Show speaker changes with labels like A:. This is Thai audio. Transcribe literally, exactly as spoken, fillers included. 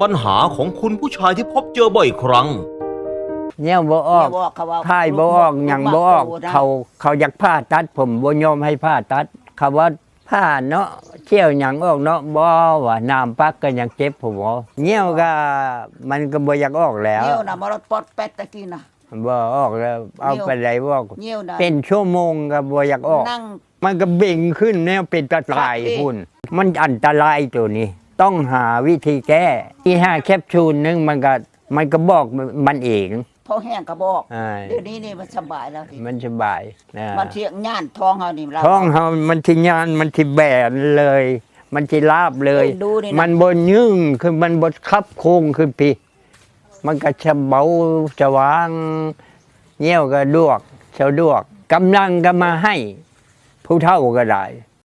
A: ปัญหาของคุณผู้ชายที่พบเจอบ่อยครั้ง
B: เนี่ยบ่ออกถ่ายบ่ออกหยังบ่ออกเขาเขาอยากผ่าตัดผมบ่ยอมให้ผ่าตัดเขาว่าผ่าเนาะเชี่ยวหยังออกเนาะบ่ว่าน้ำปักก็ยังเจ็บผมบ่เหี่ยวก็มันก็บ่อยากออกแล้ว
C: เหี่ยวน่ะมารถปอดแปดตะกี้น่ะ
B: บ่ออกแล้วเอาไปไหนบ่
C: เหี่ยวน่ะ
B: เป็นชั่วโมงก็บ่อยากออกมันก็เบ่งขึ้นแนวเป็นตะไคร่พุ่นมันอันตรายตัวนี้ต้องหาวิธีแก้ที่ห้าแคปซูลนึงมันก็มันก็บอกมันเอง
C: พอแห้งก็บอกเดี๋ยวนี้นี่มันสบายแล้ว
B: มันสบายนะ
C: มันเที่ยงย่านท้องเฮานี่
B: ท้องเฮามันที่ย่านมันที่แบนเลยมันที่ลาบเลยมันบนยึ่งคือมันบดคับโค้งขึ้นพี่มันก็จะเบาจะวางเงี้ยวก็ดวกเฉาดวกกำลังก็มาให้ผู้เฒ่าก็ได้